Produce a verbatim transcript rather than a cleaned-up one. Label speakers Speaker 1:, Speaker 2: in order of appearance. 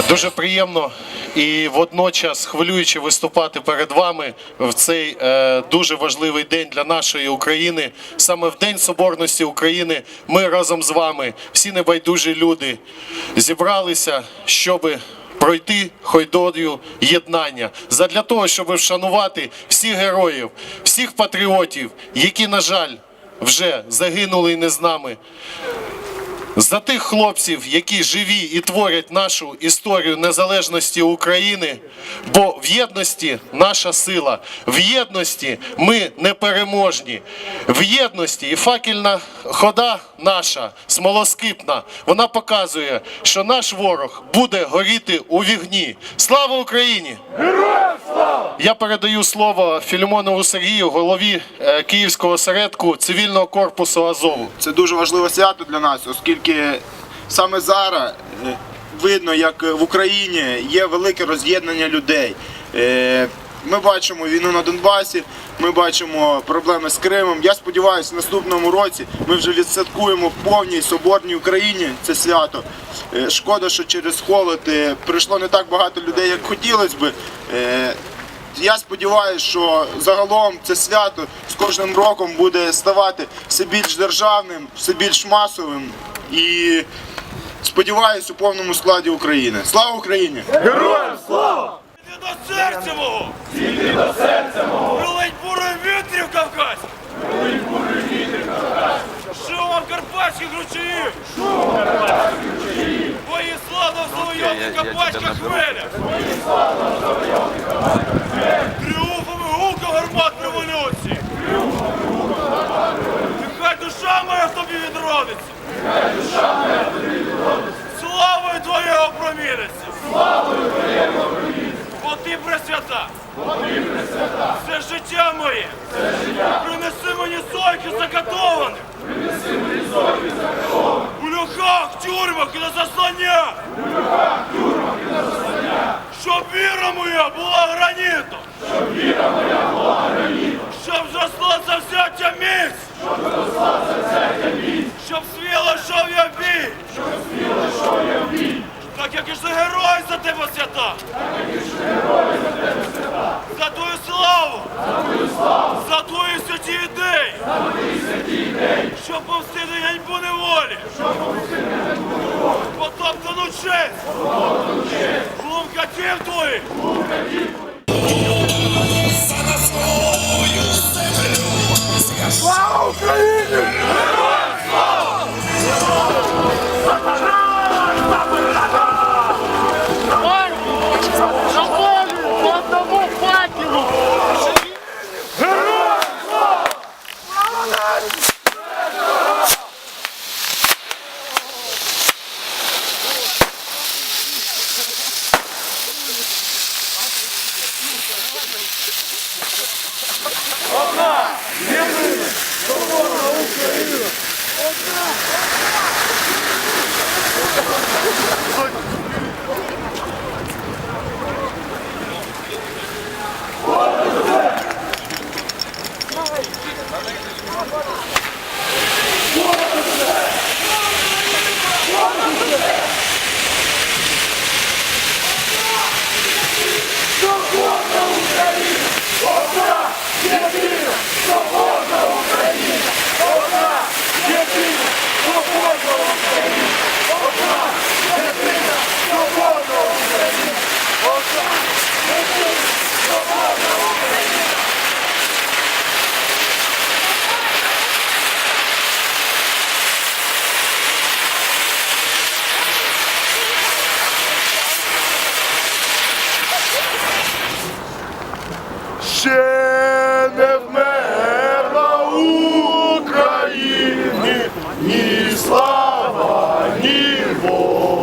Speaker 1: Дуже приємно і водночас хвилююче виступати перед вами в цей е, дуже важливий день для нашої України. Саме в День Соборності України ми разом з вами, всі небайдужі люди, зібралися, щоб пройти ходою єднання, задля того, щоб вшанувати всіх героїв, всіх патріотів, які, на жаль, вже загинули і не з нами. За тих хлопців, які живі і творять нашу історію незалежності України, бо в єдності наша сила, в єдності ми непереможні, в єдності і факельна хода наша, смолоскипна, вона показує, що наш ворог буде горіти у вогні. Слава Україні!
Speaker 2: Героям слава!
Speaker 1: Я передаю слово Філімонову Сергію, голові Київського осередку цивільного корпусу Азову.
Speaker 3: Це дуже важливе свято для нас, оскільки саме зараз видно, як в Україні є велике роз'єднання людей. Ми бачимо війну на Донбасі, ми бачимо проблеми з Кримом. Я сподіваюся, в наступному році ми вже відсвяткуємо в повній соборній Україні це свято. Шкода, що через холод прийшло не так багато людей, як хотілося б. Я сподіваюся, що загалом це свято з кожним роком буде ставати все більш державним, все більш масовим і, сподіваюся, у повному складі України. Слава Україні!
Speaker 2: Героям слава!
Speaker 4: Зійди до серця мого!
Speaker 2: Зійди до серця мого!
Speaker 4: Прилинь бурою вітрів Кавказьких!
Speaker 2: Прилинь бурою вітрів Кавказьких!
Speaker 4: Шумом карпатських ручаїв!
Speaker 2: Шумом карпатських ручаїв!
Speaker 4: Твої славно завойовних карпатських хвилях!
Speaker 2: Твої славно завойовних карпатських хвилях!
Speaker 4: Тріумфом і гулком гармат революції!
Speaker 2: Тріумфом і гулком гармат революції!
Speaker 4: Нехай душа моя в тобі відродиться!
Speaker 2: Нехай душа моя в тобі відродиться!
Speaker 4: Славою твоєго проміниться!
Speaker 2: Славою твоєго проміниться!
Speaker 4: Бо ти пресвята!
Speaker 2: Бо ти пресвята!
Speaker 4: Все життя моє!
Speaker 2: Все життя!
Speaker 4: Принеси мені зойки закатованих!
Speaker 2: Принеси мені зойки закатованих!
Speaker 4: У льохах, тюрмах і на засланнях!
Speaker 2: У льохах, тюрмах і на засланнях!
Speaker 4: Щоб віра моя була гранітом!
Speaker 2: Щоб віра моя була гранітом!
Speaker 4: Щоб зросла завзяття міць!
Speaker 2: Щоб зросла завзяття міць!
Speaker 4: Щоб сміло йшов я в бій!
Speaker 2: Щоб сміло йшов я в бій!
Speaker 4: Так як і ж герой за тебе свята!
Speaker 2: Так як і ж герой за тебе свята!
Speaker 4: За твою славу!
Speaker 2: За твою славу!
Speaker 4: За твої святі ідеї!
Speaker 2: За твої святі ідеї!
Speaker 4: Щоб повстити ганьбу неволі!
Speaker 2: Щоб повстити ганьбу неволі!
Speaker 4: Потоптану честь!
Speaker 2: Потоптану честь!
Speaker 4: Глум катів твоїх!
Speaker 2: Глум катів твоїх! Слава Україні! Героям слава!
Speaker 4: По одному факелу!
Speaker 2: Героям слава! Одна! Єдина! Соборна Україна! Одна! Соборна Україна! Одна! Єдина! Соборна Україна! Одна! Єдина! Соборна Україна! Одна! Єдина! Соборна Україна! Одна! Єдина! Соборна Україна! Ще не вмерла Україні ні слава, ні воля.